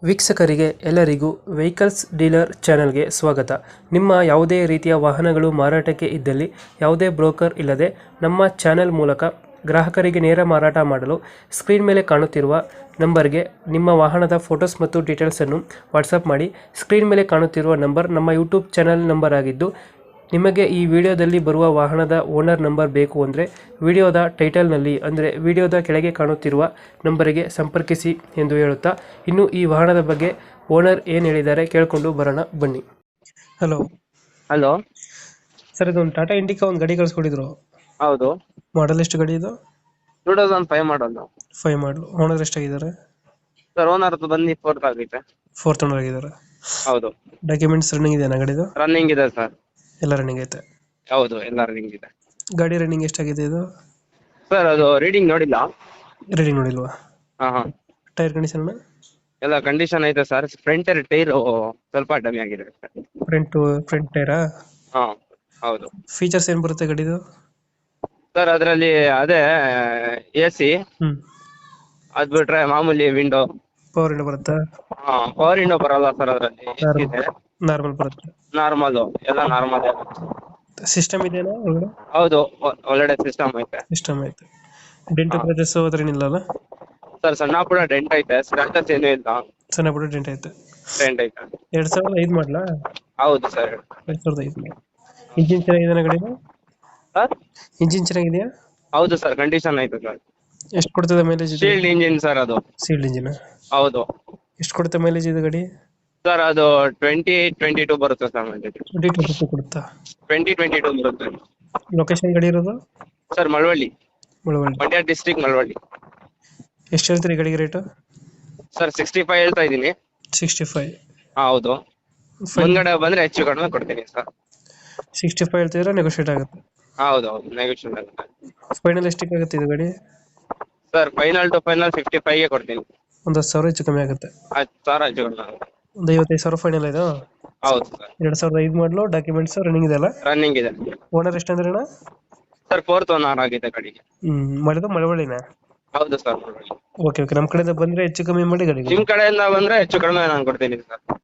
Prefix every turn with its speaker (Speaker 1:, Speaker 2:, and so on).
Speaker 1: ವೀಕ್ಷಕರಿಗೆ ಎಲ್ಲರಿಗೂ vehicles dealer ಚಾನೆಲ್ಗೆ ಸ್ವಾಗತ. ನಿಮ್ಮ ಯಾವುದೇ ರೀತಿಯ ವಾಹನಗಳು ಮಾರಾಟಕ್ಕೆ ಇದ್ದಲ್ಲಿ ಯಾವುದೇ ಬ್ರೋಕರ್ ಇಲ್ಲದೆ ನಮ್ಮ ಚಾನೆಲ್ ಮೂಲಕ ಗ್ರಾಹಕರಿಗೆ ನೇರ ಮಾರಾಟ ಮಾಡಲು ಸ್ಕ್ರೀನ್ ಮೇಲೆ ಕಾಣುತ್ತಿರುವ ನಂಬರ್ಗೆ ನಿಮ್ಮ ವಾಹನದ ಫೋಟೋಸ್ ಮತ್ತು ಡೀಟೇಲ್ಸನ್ನು ವಾಟ್ಸಪ್ ಮಾಡಿ. ಸ್ಕ್ರೀನ್ ಮೇಲೆ ಕಾಣುತ್ತಿರುವ ನಂಬರ್ ನಮ್ಮ ಯೂಟ್ಯೂಬ್ ಚಾನೆಲ್ ನಂಬರ್ ಆಗಿದ್ದು, ನಿಮಗೆ ಈ ವಿಡಿಯೋದಲ್ಲಿ ಬರುವ ವಾಹನದ ಓನರ್ ನಂಬರ್ ಬೇಕು ಅಂದರೆ ವಿಡಿಯೋದ ಟೈಟಲ್ನಲ್ಲಿ ಅಂದರೆ ವಿಡಿಯೋದ ಕೆಳಗೆ ಕಾಣುತ್ತಿರುವ ನಂಬರಿಗೆ ಸಂಪರ್ಕಿಸಿ ಎಂದು ಹೇಳುತ್ತಾ, ಇನ್ನು ಈ ವಾಹನದ ಬಗ್ಗೆ ಓನರ್ ಏನು ಹೇಳಿದ್ದಾರೆ ಕೇಳಿಕೊಂಡು ಬರೋಣ ಬನ್ನಿ. Hello
Speaker 2: hello.
Speaker 1: ಸರ್, ಇದೊಂದು ಟಾಟಾ ಇಂಡಿಕಾ ಒಂದು ಗಾಡಿ ಕಳಿಸ್ಕೊಟ್ಟಿದ್ರು.
Speaker 2: ಹೌದು,
Speaker 1: ಮಾಡಲ್ ಎಷ್ಟು ಗಾಡಿ ಇದು?
Speaker 2: 2005 ಮಾಡಲು.
Speaker 1: 5 ಮಾಡಲು. ಓನರ್ ಎಷ್ಟಾಗಿದ್ದಾರೆ?
Speaker 2: ಸರ್, ಓನರ್ ಬಂದು ಫೋರ್ತ್ ಆಗೈತೆ.
Speaker 1: ಫೋರ್ತ್ ಓನರ್ ಆಗಿದ್ದಾರೆ.
Speaker 2: ಹೌದು,
Speaker 1: ಡಾಕ್ಯುಮೆಂಟ್ಸ್ ರನ್ನಿಂಗ್ ಇದೆಯಾ ಗಾಡಿದು?
Speaker 2: ರನ್ನಿಂಗ್ ಇದೆ ಸರ್.
Speaker 1: ಎಲ್ಲ ರನ್ನಿಂಗ್ ಐತೆ.
Speaker 2: ಹೌದು, ಎಲ್ಲ ರನ್ನಿಂಗ್ ಇದೆ.
Speaker 1: ಗಾಡಿ ರನ್ನಿಂಗ್ ಎಷ್ಟಾಗಿದೆ ಇದು?
Speaker 2: ಸರ್, ಅದು ರೀಡಿಂಗ್ ನೋಡಿಲ್ಲ.
Speaker 1: ರೀಡಿಂಗ್ ನೋಡಿಲ್ವಾ?
Speaker 2: ಹಾ.
Speaker 1: Tyre condition?
Speaker 2: ಎಲ್ಲ ಕಂಡೀಷನ್ ಐತೆ ಸರ್. ಫ್ರಂಟ್ ಟೈರ್ ಸ್ವಲ್ಪ ಡಮ್ಮಿ ಆಗಿದೆ ಸರ್.
Speaker 1: ಫ್ರಂಟ್ ಟೈರಾ?
Speaker 2: ಹಾ, ಹೌದು
Speaker 1: ಫೀಚರ್ಸ್ ಏನು ಬರುತ್ತೆ ಗಾಡಿದು?
Speaker 2: ಸರ್. ಅದರಲ್ಲಿ ಅದೇ AC, ಅದ್ ಬಿಟ್ರೆ ಮಾಮೂಲಿ ವಿಂಡೋ.
Speaker 1: ಪವರ್ ವಿಂಡೋ ಬರುತ್ತಾ?
Speaker 2: ಹಾ, ಪವರ್ ವಿಂಡೋ ಬರಲ್ಲ ಸರ್. ಅದರಲ್ಲಿ ಇದೆ,
Speaker 1: ನಾರ್ಮಲ್ ಬರುತ್ತೆ.
Speaker 2: ನಾರ್ಮಲ್, ಎಲ್ಲ ನಾರ್ಮಲ್.
Speaker 1: ಸಿಸ್ಟಮ್ ಇದೆಯಾ ಒಳಗಡೆ?
Speaker 2: ಹೌದು, ಒಳ್ಳೆ ಸಿಸ್ಟಮ್ ಐತೆ.
Speaker 1: ಸಿಸ್ಟಮ್ ಐತೆ. ಡೆಂಟ್ ಕ್ರಚಸ್ ಅದ್ರೇನಿಲ್ಲ ಅಲ್ಲ?
Speaker 2: ಸರ್, ಸಣ್ಣ ಪುಡ ಡೆಂಟ್ ಐತೆ, ಸ್ಕ್ರಾಚಸ್ ಏನೂ ಇಲ್ಲ.
Speaker 1: ಸಣ್ಣ ಪುಟ್ಟ ಡೆಂಟ್ ಐತೆ.
Speaker 2: ಡೆಂಟ್ ಐತೆ.
Speaker 1: 2005 ಮಾಡಲಾ?
Speaker 2: ಹೌದು ಸರ್.
Speaker 1: 2005. ಇಂಜಿನ್ ಚೆನ್ನಾಗಿದೆ ಗಾಡಿದು?
Speaker 2: ಸರ್,
Speaker 1: ಇಂಜಿನ್ ಚೆನ್ನಾಗಿದೆಯಾ?
Speaker 2: ಹೌದು ಸರ್, ಕಂಡೀಷನ್ ಐತೆ ಸರ್.
Speaker 1: ಎಷ್ಟು ಕೊಡ್ತದೆ ಮೈಲೇಜ್?
Speaker 2: ಶೀಲ್ಡ್ ಇಂಜಿನ್ ಸರ್ ಅದು.
Speaker 1: Sealed engine?
Speaker 2: ಹೌದು
Speaker 1: ಎಷ್ಟು ಕೊಡುತ್ತೆ ಮೈಲೇಜ್ ಇದು ಗಾಡಿ?
Speaker 2: ಸರ್, ಅದು 20-22 ಬರುತ್ತೆ ಸರ್.
Speaker 1: 20-22 ಕೊಡುತ್ತಾ?
Speaker 2: 20-22 ಬರುತ್ತೆ.
Speaker 1: ಲೊಕೇಶನ್ ಗಾಡಿ ಇರೋದು?
Speaker 2: ಸರ್, ಮಳವಳ್ಳಿ,
Speaker 1: ಮಳವಳ್ಳಿ.
Speaker 2: ಮಂಡ್ಯ ಡಿಸ್ಟ್ರಿಕ್ಟ್, ಮಳವಳ್ಳಿ.
Speaker 1: ಎಷ್ಟು ಹೇಳ್ತೀರಿ ಗಾಡಿಗೆ ರೇಟು?
Speaker 2: ಸರ್, 65 ಹೇಳ್ತಾ ಇದ್ದೀನಿ.
Speaker 1: 65?
Speaker 2: ಹೌದು, ಮುಂದ್ಗಡೆ ಬಂದ್ರೆ ಹೆಚ್ಚು ಕಡಿಮೆ ಕೊಡ್ತೀನಿ ಸರ್.
Speaker 1: 65 ಹೇಳ್ತಿದ್ರೆ ನೆಗೋಷಿಯೇಟ್ ಆಗುತ್ತೆ?
Speaker 2: ಹೌದು, ನೆಗೋಷಿಯೇಟ್ ಆಗುತ್ತೆ.
Speaker 1: ಫೈನಲ್ ಎಷ್ಟಕ್ಕೆ ಆಗುತ್ತೆ ಇದು ಗಾಡಿ?
Speaker 2: ಸರ್, ಫೈನಲ್ ಟು ಫೈನಲ್ 55ಗೆ ಕೊಡ್ತೀನಿ.
Speaker 1: ಒಂದು 10,000 ಹೆಚ್ಚು ಕಮ್ಮಿ ಆಗುತ್ತೆ?
Speaker 2: 10,000 ಹೆಚ್ಚು ಕಡಿಮೆ ಆಗುತ್ತೆ.
Speaker 1: ಒಂದು 55,000 ಫೈನಲ್ ಇದು?
Speaker 2: ಹೌದು ಸರ್.
Speaker 1: 2005 ಮಾಡಲು, ಡಾಕ್ಯುಮೆಂಟ್ಸ್ ರನ್ನಿಂಗ್ ಇದೆ ಅಲ್ಲ?
Speaker 2: ರನ್ನಿಂಗ್ ಇದೆ.
Speaker 1: ಓನರ್ ಎಷ್ಟಂದ್ರೆ ಅಣ್ಣ?
Speaker 2: ಸರ್, ಫೋರ್ತ್ ಓನರ್ ಆಗಿದೆ ಗಾಡಿಗೆ.
Speaker 1: ಮಾಡಿದ್ದು ಮಳವಳ್ಳಿನ?
Speaker 2: ಹೌದು ಸರ್, ಮಳವಳ್ಳಿ.
Speaker 1: ಓಕೆ, ನಮ್ಮ ಕಡೆಯಿಂದ ಬಂದ್ರೆ ಹೆಚ್ಚು ಕಮ್ಮಿ ಮಾಡಿ ಗಾಡಿ.
Speaker 2: ನಿಮ್ ಕಡೆಯಿಂದ ಬಂದ್ರೆ ಹೆಚ್ಚು ಕಡಿಮೆ ನಾನು ಕೊಡ್ತೀನಿ ಸರ್.